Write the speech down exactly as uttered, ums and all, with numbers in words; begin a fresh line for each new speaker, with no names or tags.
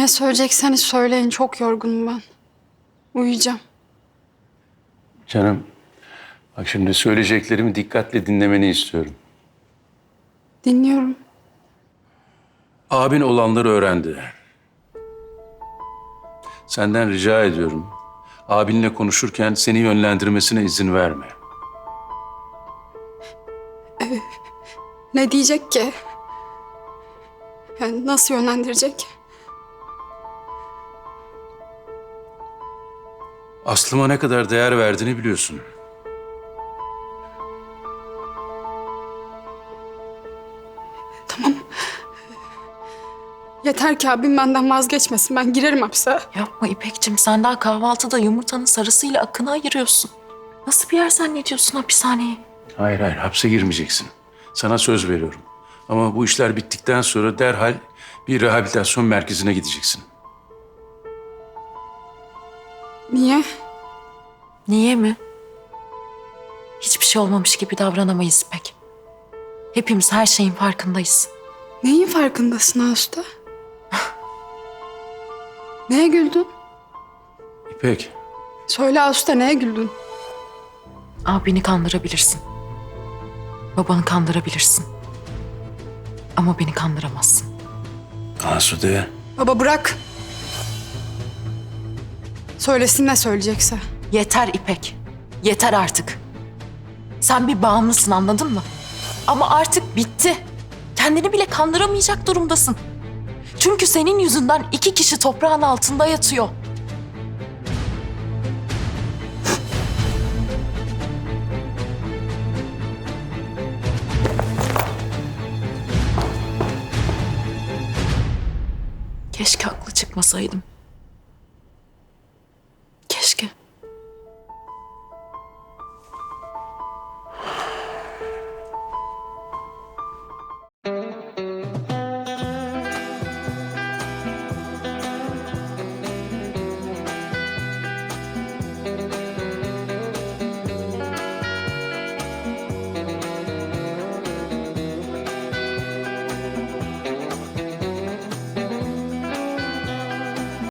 Ne söyleyecekseniz söyleyin. Çok yorgunum ben. Uyuyacağım.
Canım, bak şimdi söyleyeceklerimi dikkatle dinlemeni istiyorum.
Dinliyorum.
Abin olanları öğrendi. Senden rica ediyorum. Abinle konuşurken seni yönlendirmesine izin verme.
Ne diyecek ki? Yani nasıl yönlendirecek?
Aslıma ne kadar değer verdiğini biliyorsun.
Yeter ki abim benden vazgeçmesin. Ben girerim hapse.
Yapma İpekçim, sen daha kahvaltıda yumurtanın sarısıyla akını ayırıyorsun. Nasıl bir yer zannediyorsun hapishaneyi?
Hayır hayır, hapse girmeyeceksin. Sana söz veriyorum. Ama bu işler bittikten sonra derhal bir rehabilitasyon merkezine gideceksin.
Niye?
Niye mi? Hiçbir şey olmamış gibi davranamayız İpek. Hepimiz her şeyin farkındayız.
Neyin farkındasın Ağustos'ta? Neye güldün?
İpek,
Söyle Ağustos'ta neye güldün?
Abini kandırabilirsin. Babanı kandırabilirsin. Ama beni kandıramazsın.
Asude.
Baba bırak. Söylesin ne söyleyecekse.
Yeter İpek. Yeter artık. Sen bir bağımlısın, anladın mı? Ama artık bitti. Kendini bile kandıramayacak durumdasın. Çünkü senin yüzünden iki kişi toprağın altında yatıyor. Keşke haklı çıkmasaydım.